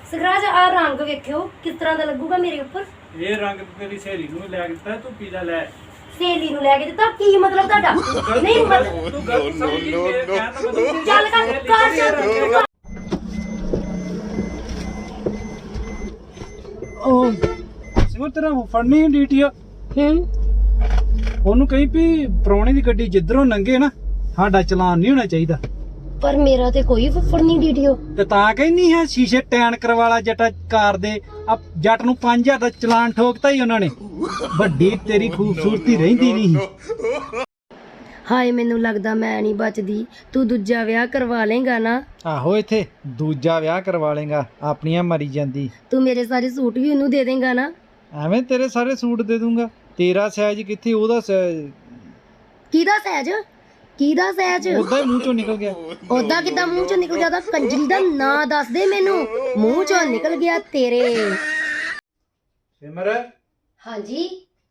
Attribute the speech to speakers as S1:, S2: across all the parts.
S1: ਸਖਰਾਜ ਆ ਰੰਗ ਵੇਖਿਓ ਕਿਸ ਤਰ੍ਹਾਂ ਦਾ ਲੱਗੂਗਾ ਮੇਰੇ ਉੱਪਰ।
S2: ਇਹ ਰੰਗ ਤੇਰੀ ਸਹੇਲੀ ਨੂੰ ਲੈ ਕੇ ਦਿੱਤਾ, ਤੂੰ ਪੀਲਾ ਲੈ।
S1: ਸਹੇਲੀ ਨੂੰ ਲੈ ਕੇ ਦਿੱਤਾ, ਕੀ ਮਤਲਬ ਤੁਹਾਡਾ? ਨਹੀਂ ਮਤਲਬ
S2: ਤੂੰ ਗਲਤ ਸਮਝੀ, ਮੇਰੇ ਕਹਿਣ ਦਾ ਮਤਲਬ
S1: ਚੱਲ ਕਰ
S2: ਉਹ ਸਿਮਰ ਤੇਰਾ ਫੜਨੀ ਡੀਟੀ ਆ। ਉਹਨੂੰ ਕਹੀਂ ਵੀ ਪ੍ਰਾਹੁਣੇ ਦੀ ਗੱਡੀ ਜਿੱਧਰੋਂ ਲੰਘੇ ਨਾ ਸਾਡਾ ਚਲਾਨ ਨਹੀਂ ਹੋਣਾ ਚਾਹੀਦਾ।
S1: ਪਰ ਮੇਰਾ ਤੇ ਕੋਈ ਫੁੱਫੜ ਨਹੀਂ ਡੀਟੀਓ।
S2: ਤੇ ਤਾਂ ਕਹਿੰਦੀ ਹੈ ਸ਼ੀਸ਼ੇ ਟੈਨ ਕਰਵਾਲਾ ਜੱਟਾ ਕਾਰ ਦੇ। ਆ ਜੱਟ ਨੂੰ 5000 ਦਾ ਚਲਾਨ ਠੋਕਤਾ ਹੀ ਉਹਨਾਂ ਨੇ। ਵੱਡੀ ਤੇਰੀ ਖੂਬਸੂਰਤੀ ਰਹਿੰਦੀ ਨਹੀਂ।
S1: ਹਾਏ ਮੈਨੂੰ ਲੱਗਦਾ ਮੈਂ ਨਹੀਂ ਬਚਦੀ। ਤੂੰ ਦੂਜਾ ਵਿਆਹ ਕਰਵਾ ਲੇਗਾ ਨਾ?
S2: ਆਹੋ ਇੱਥੇ ਦੂਜਾ ਵਿਆਹ ਕਰਵਾ ਲੇਗਾ, ਆਪਣੀਆਂ ਮਰੀ ਜਾਂਦੀ।
S1: ਤੂੰ ਮੇਰੇ ਸਾਰੇ ਸੂਟ ਵੀ ਉਹਨੂੰ ਦੇ ਦੇਗਾ ਨਾ?
S2: ਐਵੇਂ ਤੇਰੇ ਸਾਰੇ ਸੂਟ ਦੇ ਦੂੰਗਾ। ਤੇਰਾ ਸਾਈਜ਼ ਕਿੱਥੇ, ਉਹਦਾ ਸਾਈਜ਼।
S1: ਕਿਹਦਾ ਸਹਿਜ? ਕਿਹਦਾ ਸਹਿਜ?
S2: ਉਹਦਾ ਹੀ ਮੂੰਹ ਚੋਂ ਨਿਕਲ ਗਿਆ।
S1: ਉਹਦਾ ਕਿੱਦਾਂ ਮੂੰਹ ਚੋਂ ਨਿਕਲ ਗਿਆ? ਉਹਦਾ ਕੰਜਰੀ ਦਾ ਨਾਂ ਦੱਸ ਦੇ ਮੈਨੂੰ। ਮੂੰਹ ਚੋਂ ਨਿਕਲ ਗਿਆ ਤੇਰੇ।
S2: ਸਿਮਰ
S1: ਹਾਂਜੀ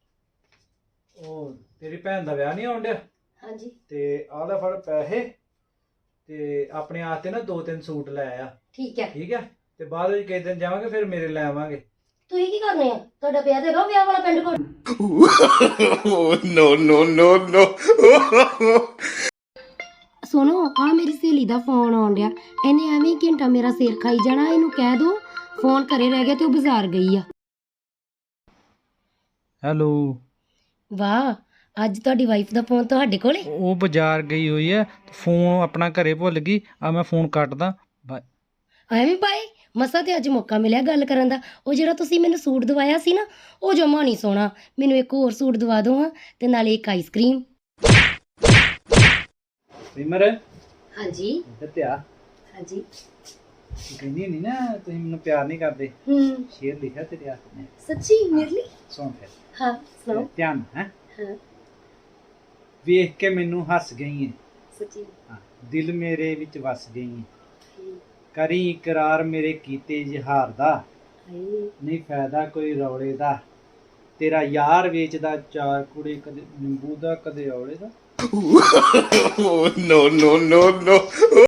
S2: ਉਹ ਤੇਰੀ ਭੈਣ ਦਾ ਵਿਆਹ ਨਹੀਂ ਆਉਣ ਡਿਆ
S1: ਹਾਂਜੀ
S2: ਤੇ ਆਹ ਲੈ ਫੜ ਪੈਸੇ ਤੇ ਆਪਣੇ ਆਪ ਤੇ ਨਾ 2-3 ਸੂਟ ਲੈ ਆ।
S1: ਠੀਕ ਹੈ
S2: ਠੀਕ ਹੈ, ਤੇ ਬਾਅਦ ਵਿੱਚ ਕਿਸੇ ਦਿਨ ਜਾਵਾਂਗੇ ਫਿਰ ਮੇਰੇ ਲੈ ਆਵਾਂਗੇ।
S1: ਤੁਸੀਂ ਕੀ ਕਰਨੇ ਆ? ਤੁਹਾਡਾ ਵਿਆਹ ਤੇ ਵਿਆਹ ਵਾਲਾ ਪਿੰਡ ਕੋਲ।
S3: No, no, no, no.
S1: ਸੁਣੋ ਆ ਮੇਰੀ ਸਹੇਲੀ ਦਾ ਫੋਨ ਆਉਣ ਡਿਆ। ਇਹਨੇ ਐਵੇਂ ਹੀ ਘੰਟਾ ਮੇਰਾ ਸਿਰ ਖਾਈ ਜਾਣਾ। ਇਹਨੂੰ ਕਹਿ ਦੋ ਫੋਨ ਘਰੇ ਰਹਿ ਗਿਆ ਤੇ ਉਹ ਬਾਜ਼ਾਰ ਗਈ ਆ।
S2: ਹੈਲੋ।
S1: ਵਾਹ, ਅੱਜ ਤੁਹਾਡੀ ਵਾਈਫ ਦਾ ਫੋਨ ਤੁਹਾਡੇ ਕੋਲੇ?
S2: ਉਹ ਬਾਜ਼ਾਰ ਗਈ ਹੋਈ ਹੈ, ਫੋਨ ਆਪਣਾ ਘਰੇ ਭੁੱਲ ਗਈ। ਆ ਮੈਂ ਫੋਨ ਕੱਟਦਾ।
S1: ਐਵੇਂ ਪਾਏ ਮਸਾ ਤੇ ਅੱਜ ਮੌਕਾ ਮਿਲਿਆ ਗੱਲ ਕਰਨ ਦਾ। ਉਹ ਜਿਹੜਾ ਤੁਸੀਂ ਮੈਨੂੰ ਸੂਟ ਦਵਾਇਆ ਸੀ ਨਾ, ਉਹ ਜਮਾ ਨਹੀਂ ਸੋਹਣਾ। ਮੈਨੂੰ ਇੱਕ ਹੋਰ ਸੂਟ ਦਵਾ ਦਿਓ ਹਾਂ, ਤੇ ਨਾਲੇ ਇੱਕ ਆਈਸਕ੍ਰੀਮ।
S2: ਸਿਮਰ
S1: ਹਾਂਜੀ
S2: ਇੱਧਰ ਤੇ ਆ।
S1: ਹਾਂਜੀ
S2: ਤੂੰ ਕਹਿੰਦੀ ਨਹੀਂ ਨਾ ਤੁਸੀਂ ਮੈਨੂੰ ਪਿਆਰ ਨਹੀਂ ਕਰਦੇ। ਸ਼ੇਰ ਲਿਖਿਆ ਤੇਰੇ ਹੱਥ ਨੇ।
S1: ਸੱਚੀ ਮੇਰੇ ਲਈ?
S2: ਸੁਣ ਫਿਰ।
S1: ਹਾਂ ਸੁਣੋ।
S2: ਧਿਆਨ ਹੈ।
S1: ਹਾਂ
S2: ਵੇਖ ਕੇ ਮੈਨੂੰ ਹੱਸ ਗਈ ਹੈ।
S1: ਸੱਚੀ?
S2: ਹਾਂ, ਦਿਲ ਮੇਰੇ ਵਿੱਚ ਵਸ ਗਈ ਹੈ। ਕਰੀ ਇਕਰਾਰ ਮੇਰੇ ਕੀਤੇ ਇਜ਼ਹਾਰ ਦਾ, ਨਹੀਂ ਫਾਇਦਾ ਕੋਈ ਰੌਲੇ ਦਾ। ਤੇਰਾ ਯਾਰ ਵੇਚਦਾ ਚਾਰ ਕੁੜੇ, ਕਦੇ ਨਿੰਬੂ ਦਾ ਕਦੇ ਔਲੇ ਦਾ।
S3: No, no, no, no.